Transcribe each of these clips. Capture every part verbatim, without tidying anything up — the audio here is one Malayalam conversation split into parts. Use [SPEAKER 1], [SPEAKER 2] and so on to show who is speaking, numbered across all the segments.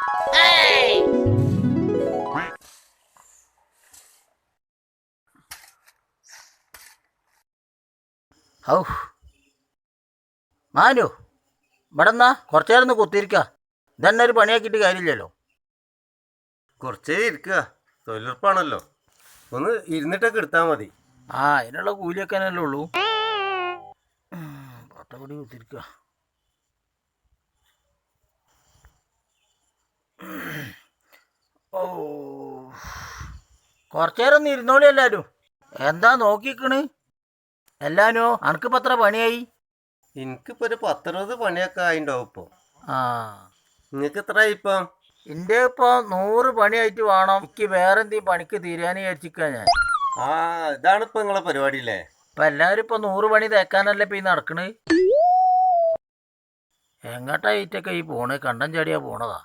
[SPEAKER 1] ഔ മാനു ഇവിടെ എന്നാ കുറച്ചു നേരം ഒന്ന് കുത്തിയിരിക്ക. ഇതന്നെ ഒരു പണിയാക്കിയിട്ട് കാര്യമില്ലല്ലോ.
[SPEAKER 2] കുറച്ചേ ഇരിക്കുക, തൊഴിലുറപ്പാണല്ലോ. ഒന്ന് ഇരുന്നിട്ടൊക്കെ എടുത്താൽ മതി.
[SPEAKER 1] ആ അതിനുള്ള കൂലിയൊക്കെ തന്നെ ഉള്ളൂ. പട്ടപടി കുത്തിരിക്ക. ഓ കുറച്ചു നേരം ഒന്ന് ഇരുന്നോളി എല്ലാവരും. എന്താ നോക്കിക്കണ് എല്ലാനോ? അനക്കിപ്പോൾ എത്ര പണിയായി?
[SPEAKER 2] എനിക്കിപ്പോ ഒരു പത്തറുപത് പണിയൊക്കെ ആയിണ്ടാവും ഇപ്പൊ.
[SPEAKER 1] ആ
[SPEAKER 2] നിങ്ങക്ക് എത്രയായി ഇപ്പം?
[SPEAKER 1] എൻ്റെ ഇപ്പോൾ നൂറ് പണിയായിട്ട് വേണം എനിക്ക് വേറെ എന്തെങ്കിലും പണിക്ക് തീരാൻ വിചാരിച്ചിരിക്കുക ഞാൻ.
[SPEAKER 2] ആ ഇതാണ് ഇപ്പൊ നിങ്ങളെ പരിപാടി അല്ലേ?
[SPEAKER 1] ഇപ്പം എല്ലാവരും ഇപ്പോൾ നൂറ് പണി തേക്കാനല്ലേ ഇപ്പം ഈ നടക്കണ്. എങ്ങോട്ടായിട്ടൊക്കെ ഈ പോണ്? കണ്ടം ചാടിയാ പോണതാ.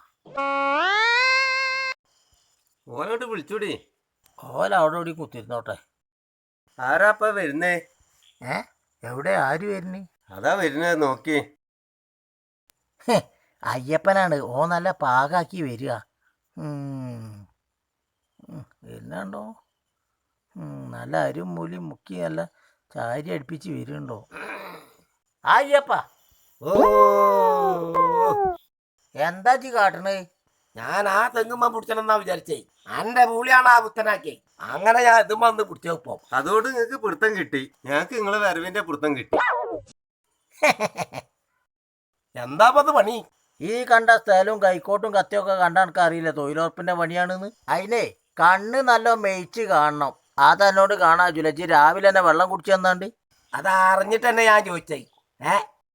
[SPEAKER 2] ഓനോട്ട് വിളിച്ചൂടി.
[SPEAKER 1] ഓല അവിടെ ഇവിടെ കുത്തിരുന്നോട്ടെ.
[SPEAKER 2] ആരാപ്പ വരുന്നേ?
[SPEAKER 1] ഏ എവിടെ ആര് വരുന്നേ?
[SPEAKER 2] അതാ വരുന്നത് നോക്കി.
[SPEAKER 1] അയ്യപ്പനാണ്. ഓ നല്ല പാകാക്കി വരിക. വരുന്നുണ്ടോ? നല്ല അരും മൂലിയും മുക്കി നല്ല ചാരി അടുപ്പിച്ച് വരുന്നുണ്ടോ? അയ്യപ്പ
[SPEAKER 2] ഓ
[SPEAKER 1] എന്താ ചി കാട്ടണേ?
[SPEAKER 3] ഞാൻ ആ തെങ്ങുമ്മ പിടിച്ചണമെന്നാ വിചാരിച്ചേ. എന്റെ മൂളിയാണ് ആ പുത്തനാക്കി. അങ്ങനെ ഞാൻ ഇതുമ്മ ഒന്ന് പിടിച്ചപ്പോ
[SPEAKER 2] അതോട് നിങ്ങക്ക് പിടുത്തം കിട്ടി. ഞങ്ങക്ക് നിങ്ങളെ വരവിന്റെ പിടുത്തം കിട്ടി.
[SPEAKER 3] എന്താപ്പത് പണി?
[SPEAKER 1] ഈ കണ്ട സ്ഥലവും കൈക്കോട്ടും കത്തിയൊക്കെ കണ്ട എനിക്ക് അറിയില്ല തൊഴിലുറപ്പിന്റെ പണിയാണെന്ന്. അതിനെ കണ്ണ് നല്ല മേയിച്ച് കാണണം. അതെന്നോട് കാണാ ജുലജി രാവിലെ തന്നെ വെള്ളം കുടിച്ചു തന്നാണ്ട്.
[SPEAKER 3] അതറിഞ്ഞിട്ട് തന്നെ ഞാൻ ചോദിച്ചേ. ഏ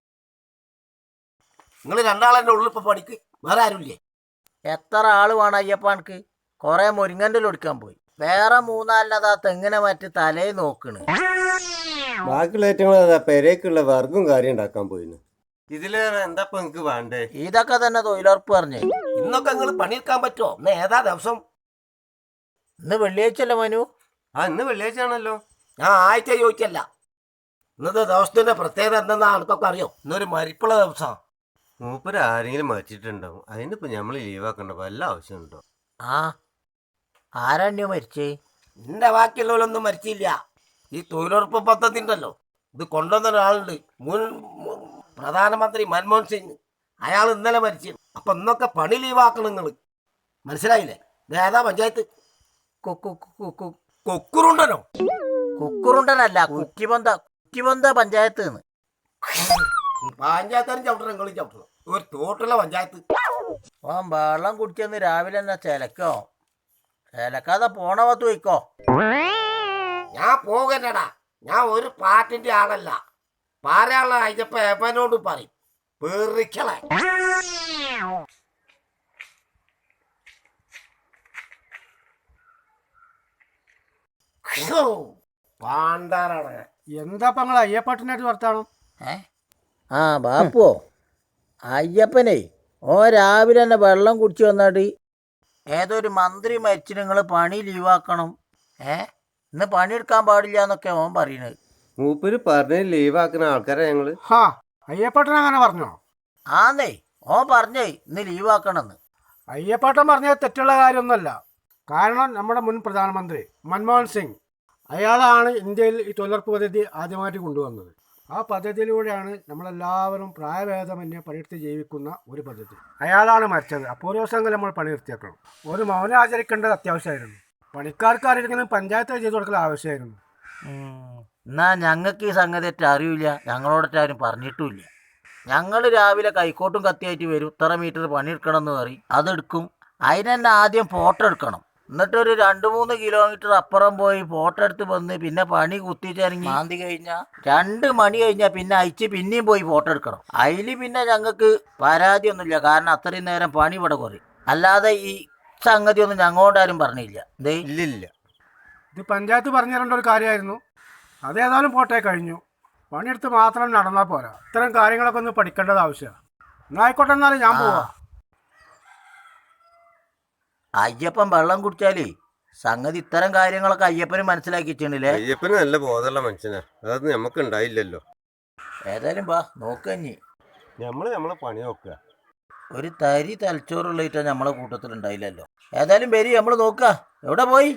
[SPEAKER 3] നിങ്ങൾ രണ്ടാളെന്റെ ഉള്ളിൽ ഇപ്പൊ പണിക്ക് വേറെ ആരുമില്ലേ?
[SPEAKER 1] എത്ര ആള് വേണം അയ്യപ്പ എനിക്ക്? കുറെ മുരിങ്ങൻ്റെ ഒടിക്കാൻ പോയി. വേറെ മൂന്നാലിനതാ തെങ്ങിനെ മറ്റ് തലേ നോക്കണ്.
[SPEAKER 2] ബാക്കിയുള്ള ഏറ്റവും പെരേക്കുള്ള വർഗം കാര്യം ഉണ്ടാക്കാൻ പോയിന്. ഇതിലേറെ എന്താ നിങ്ങക്ക് വേണ്ടേ?
[SPEAKER 1] ഇതൊക്കെ തന്നെ തൊഴിലുറപ്പ് പറഞ്ഞേ.
[SPEAKER 3] ഇന്നൊക്കെ നിങ്ങൾ പണിയെടുക്കാൻ പറ്റുമോ? ഇന്ന് ഏതാ ദിവസം?
[SPEAKER 1] ഇന്ന് വെള്ളിയാഴ്ചയല്ലേ മനു?
[SPEAKER 2] ആ ഇന്ന് വെള്ളിയാഴ്ച ആണല്ലോ.
[SPEAKER 3] ഞാൻ ആഴ്ച ചോദിച്ചല്ല. ഇന്നത്തെ ദിവസത്തിന്റെ പ്രത്യേകത എന്തെന്നാ എനിക്കൊക്കെ അറിയോ? ഇന്നൊരു മരിപ്പുള്ള ദിവസമാണ്.
[SPEAKER 2] മൂപ്പര് ആരെങ്കിലും മരിച്ചിട്ടുണ്ടാവും. അതിനിപ്പോ ഞമ്മള് ലീവാക്കണ്ട വല്ല ആവശ്യമുണ്ടോ?
[SPEAKER 1] ആ ആരാണ്യോ മരിച്ചേ?
[SPEAKER 3] എന്റെ ബാക്കിയുള്ളവരൊന്നും മരിച്ചില്ല. ഈ തൊഴിലുറപ്പ് പദ്ധതി ഉണ്ടല്ലോ, ഇത് കൊണ്ടുവന്ന ഒരാളുണ്ട്, മുൻ പ്രധാനമന്ത്രി മൻമോഹൻ സിംഗ്. അയാൾ ഇന്നലെ മരിച്ചു. അപ്പൊ ഇന്നൊക്കെ പണി ലീവാക്കണം നിങ്ങൾ. മനസ്സിലായില്ലേ? ഇത് ഏതാ പഞ്ചായത്ത്? കൊക്കുറുണ്ടനോ?
[SPEAKER 1] കുക്കുറുണ്ടനല്ല, കുറ്റിബന്ധ കുറ്റിബന്ധ പഞ്ചായത്ത്.
[SPEAKER 3] പഞ്ചായത്താരും ചവിട്ടണം, നിങ്ങളും ചവിട്ടണം. ഒരു തോട്ടുള്ള പഞ്ചായത്ത്.
[SPEAKER 1] ഓ വെള്ളം കുടിച്ചെന്ന് രാവിലെ തന്നെ ചിലക്കോ? ചിലക്കാതെ പോണ പത്ത് വയ്ക്കോ?
[SPEAKER 3] ഞാൻ പോകണ്ടടാ. ഞാൻ ഒരു പാട്ടിന്റെ ആളല്ല. പാരയുള്ള അയച്ചപ്പ എവനോട് പറയും പേറിക്കളെ. പാണ്ടാറാണ്.
[SPEAKER 4] എന്താ നിങ്ങൾ അയ്യപ്പാട്ടിനായിട്ട് വർത്താനം?
[SPEAKER 1] ഏ ആ ബാപ്പുവോ? അയ്യപ്പനെ ഓ രാവിലെ തന്നെ വെള്ളം കുടിച്ച് വന്നാട്ട് ഏതൊരു മന്ത്രി മരിച്ചു നിങ്ങൾ പണി ലീവാക്കണം, ഏ ഇന്ന് പണിയെടുക്കാൻ പാടില്ല എന്നൊക്കെ ഓൻ പറയണത്.
[SPEAKER 2] മൂപ്പര് പറഞ്ഞ് ലീവാക്കുന്ന ആൾക്കാരാ ഞങ്ങള്.
[SPEAKER 4] ഹാ അയ്യപ്പാട്ടൻ അങ്ങനെ പറഞ്ഞോ?
[SPEAKER 1] ആന്നേ ഓൻ പറഞ്ഞേ ഇന്ന് ലീവാക്കണമെന്ന്.
[SPEAKER 4] അയ്യപ്പാട്ടൻ പറഞ്ഞത് തെറ്റുള്ള കാര്യമൊന്നുമല്ല. കാരണം നമ്മുടെ മുൻ പ്രധാനമന്ത്രി മൻമോഹൻ സിംഗ് അയാളാണ് ഇന്ത്യയിൽ ഈ തൊഴിലുറപ്പ് പദ്ധതി ആദ്യമായിട്ട് കൊണ്ടുവന്നത്. ആ പദ്ധതിയിലൂടെയാണ് നമ്മളെല്ലാവരും പ്രായഭേദമന്യേ പണിയെടുത്ത് ജീവിക്കുന്ന ഒരു പദ്ധതി. അയാളാണ് മരിച്ചത്. അപ്പോൾ ഒരു ദിവസമെങ്കിലും നമ്മൾ പണി നിർത്തിയേക്കണം. ഒരു മൗനം ആചരിക്കേണ്ടത് അത്യാവശ്യമായിരുന്നു. പണിക്കാർക്ക് ആരെങ്കിലും പഞ്ചായത്ത് ചെയ്ത് കൊടുക്കൽ ആവശ്യമായിരുന്നു.
[SPEAKER 1] എന്നാ ഞങ്ങൾക്ക് ഈ സംഗതി ഒറ്റ അറിയില്ല, ഞങ്ങളോടൊറ്റ ആരും പറഞ്ഞിട്ടുമില്ല. ഞങ്ങൾ രാവിലെ കൈക്കോട്ടും കത്തിയായിട്ട് വരും, ഇത്ര മീറ്റർ പണിയെടുക്കണം എന്ന് പറയും, അതെടുക്കും. അതിന് തന്നെ ആദ്യം ഫോട്ടോ എടുക്കണം. എന്നിട്ടൊരു രണ്ട് മൂന്ന് കിലോമീറ്റർ അപ്പുറം പോയി ഫോട്ടോ എടുത്ത് വന്ന് പിന്നെ പണി കുത്തിച്ചിറങ്ങി മാന്തി കഴിഞ്ഞാൽ രണ്ട് മണി കഴിഞ്ഞാൽ പിന്നെ അയച്ച് പിന്നെയും പോയി ഫോട്ടോ എടുക്കണം. അതിൽ പിന്നെ ഞങ്ങൾക്ക് പരാതിയൊന്നുമില്ല, കാരണം അത്രയും നേരം പണി ഇവിടെ കുറയും. അല്ലാതെ ഈ സംഗതി ഒന്നും ഞങ്ങളോടാരും പറഞ്ഞില്ല. ദേ
[SPEAKER 2] ഇല്ലില്ല,
[SPEAKER 4] ഇത് പഞ്ചായത്ത് പറഞ്ഞു തരേണ്ട ഒരു കാര്യമായിരുന്നു. അതേതായാലും പോട്ടെ, കഴിഞ്ഞു. പണിയെടുത്ത് മാത്രം നടന്നാൽ പോരാ, ഇത്തരം കാര്യങ്ങളൊക്കെ ഒന്ന് പഠിക്കേണ്ടത് ആവശ്യമാണ്. എന്നായിക്കോട്ടെ, എന്നാലും ഞാൻ പോവാം.
[SPEAKER 1] അയ്യപ്പൻ വെള്ളം കുടിച്ചാലേ സംഗതി ഇത്തരം കാര്യങ്ങളൊക്കെ അയ്യപ്പന് മനസ്സിലാക്കിച്ചിട്ടില്ലേ?
[SPEAKER 2] അയ്യപ്പന് നല്ല ബോധമുള്ള മനുഷ്യനാ, അതൊന്നും നമുക്ക് ഉണ്ടായില്ലല്ലോ.
[SPEAKER 1] ഏതായാലും വാ നോക്കഞ്ഞി.
[SPEAKER 2] നമ്മള് നമ്മളെ പണി നോക്കുക.
[SPEAKER 1] ഒരു തരി തലച്ചോറുള്ളേറ്റാ നമ്മളെ കൂട്ടത്തിൽ ഉണ്ടായില്ലല്ലോ. ഏതായാലും വരി നമ്മൾ നോക്ക. എവിടെ പോയി?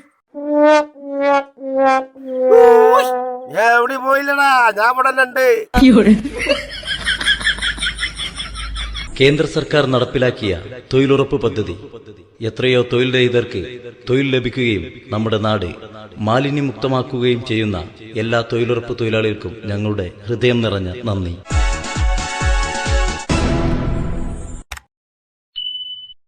[SPEAKER 3] എവിടെ പോയില്ലടാ, ഞാൻ ഇവിടെ ഉണ്ട്.
[SPEAKER 5] കേന്ദ്ര സർക്കാർ നടപ്പിലാക്കിയ തൊഴിലുറപ്പ് പദ്ധതി എത്രയോ തൊഴിൽ രഹിതർക്ക് തൊഴിൽ ലഭിക്കുകയും നമ്മുടെ നാട് മാലിന്യമുക്തമാക്കുകയും ചെയ്യുന്ന എല്ലാ തൊഴിലുറപ്പ് തൊഴിലാളികൾക്കും ഞങ്ങളുടെ ഹൃദയം നിറഞ്ഞ നന്ദി.